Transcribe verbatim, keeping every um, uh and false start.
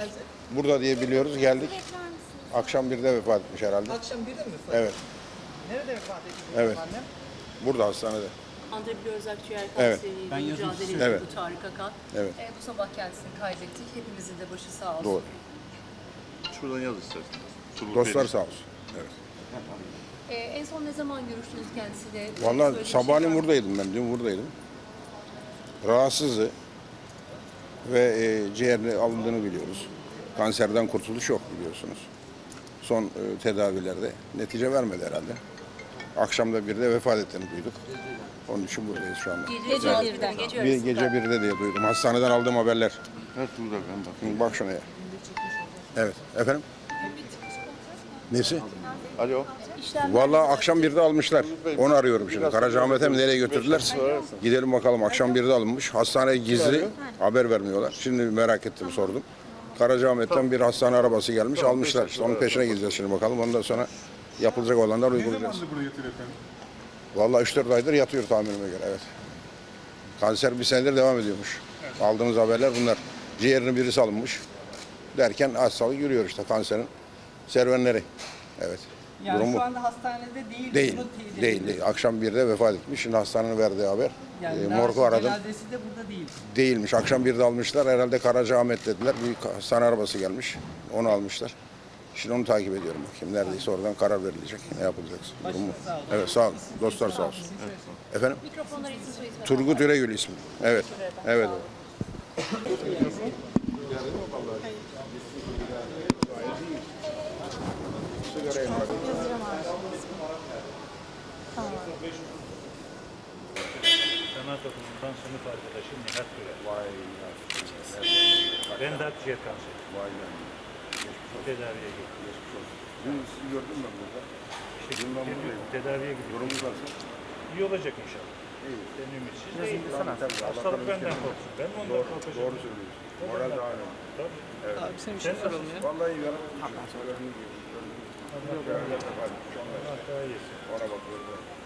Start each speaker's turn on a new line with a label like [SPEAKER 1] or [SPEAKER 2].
[SPEAKER 1] geldi?
[SPEAKER 2] Burada diye biliyoruz, geldik. Akşam birde vefat etmiş herhalde.
[SPEAKER 1] Akşam birde mi vefat?
[SPEAKER 2] Evet,
[SPEAKER 1] Nerede vefat etti
[SPEAKER 2] Evet.
[SPEAKER 1] annem?
[SPEAKER 2] burada hastanede.
[SPEAKER 3] Andrebi Özak ciğer
[SPEAKER 2] Evet.
[SPEAKER 3] kanseriyle
[SPEAKER 4] Ben yazın
[SPEAKER 3] mücadele
[SPEAKER 4] size-
[SPEAKER 3] ediyordu
[SPEAKER 2] Evet.
[SPEAKER 3] Tarık Akan.
[SPEAKER 2] Evet.
[SPEAKER 3] E, bu sabah kendisini kaybettik. Hepimizin de başı sağ olsun.
[SPEAKER 2] Doğru.
[SPEAKER 5] Şuradan yaz istersen. Turgut
[SPEAKER 2] Dostlar
[SPEAKER 5] Bey.
[SPEAKER 2] sağ olsun. Evet.
[SPEAKER 3] E, en son ne zaman görüştünüz kendisiyle?
[SPEAKER 2] Vallahi
[SPEAKER 3] Söylediği bir şey var
[SPEAKER 2] sabahleyin
[SPEAKER 3] mı?
[SPEAKER 2] buradaydım ben, dün buradaydım. Rahatsızdı ve e, ciğerini alındığını biliyoruz. Kanserden kurtuluş yok biliyorsunuz. Son e, tedavilerde netice vermedi herhalde. Akşamda birde vefat ettiğini duyduk. Onun için buradayız şu anda.
[SPEAKER 3] Gece birde. Gece
[SPEAKER 2] Bir
[SPEAKER 3] yarısında.
[SPEAKER 2] gece birde diye duydum. Hastaneden aldığım haberler.
[SPEAKER 5] Evet burada ben bakayım.
[SPEAKER 2] Hı, Bak şuna ya. Evet. Efendim? Nesi?
[SPEAKER 5] Alo.
[SPEAKER 2] Vallahi akşam birde almışlar. Onu arıyorum şimdi. Karacaahmet'e mi nereye götürdüler? Gidelim bakalım. Akşam birde alınmış. Hastaneye gizli. Haber vermiyorlar. Şimdi merak ettim, sordum. Karacaahmet'ten bir hastane arabası gelmiş, almışlar. İşte onun peşine gideceğiz şimdi bakalım. Ondan sonra yapılacak olanlar uygulayacağız.
[SPEAKER 6] burada yatıyor efendim?
[SPEAKER 2] Vallahi üç dört aydır yatıyor tahminime göre, evet. Kanser bir senedir devam ediyormuş. Aldığımız haberler bunlar. Ciğerinin birisi alınmış. Derken hastalık yürüyor işte, kanserin serüvenleri. Evet.
[SPEAKER 1] Yani
[SPEAKER 2] Durum bu.
[SPEAKER 1] şu anda hastanede değil.
[SPEAKER 2] Değil,
[SPEAKER 1] bunu teyit
[SPEAKER 2] değil,
[SPEAKER 1] ediyoruz.
[SPEAKER 2] değil. Akşam birde vefat etmiş. Şimdi hastanenin verdiği haber.
[SPEAKER 1] Yani
[SPEAKER 2] E,
[SPEAKER 1] daha
[SPEAKER 2] morgu
[SPEAKER 1] sonra
[SPEAKER 2] aradım.
[SPEAKER 1] cenazesi de burada değil.
[SPEAKER 2] Değilmiş. Akşam birde almışlar. Herhalde Karacaahmet dediler. Bir hastane arabası gelmiş. Onu almışlar. Şimdi onu takip ediyorum bakayım. Neredeyse oradan karar verilecek. Ne yapılacak? Durum bu.
[SPEAKER 1] sağ olun.
[SPEAKER 2] Evet, sağ olun. Dostlar sağ olsun. Efendim?
[SPEAKER 3] Mikrofonları isim soy isim.
[SPEAKER 2] Turgut Üregül ismi. Evet. Evet.
[SPEAKER 7] Sanat okulundan sınıf arkadaşım Nihat Güler. Vay Ben de akciğer kanseri. Vay Tedaviye gittim.
[SPEAKER 2] Dün sizi gördüm ben burada.
[SPEAKER 7] İşte bir tedaviye gidiyorum.
[SPEAKER 2] Durumunuz nasıl?
[SPEAKER 7] İyi olacak inşallah. Ben ümitsiz değilim. Hastalık benden korksun. Ben ondan korkacağım.
[SPEAKER 2] Doğru söylüyorsun. Moral daha önemli.
[SPEAKER 7] Tabii.
[SPEAKER 1] Abi sen bir şey soralım ya.
[SPEAKER 2] Vallahi yarın.
[SPEAKER 7] Allah daha iyisin.
[SPEAKER 2] Ona bakıyorum.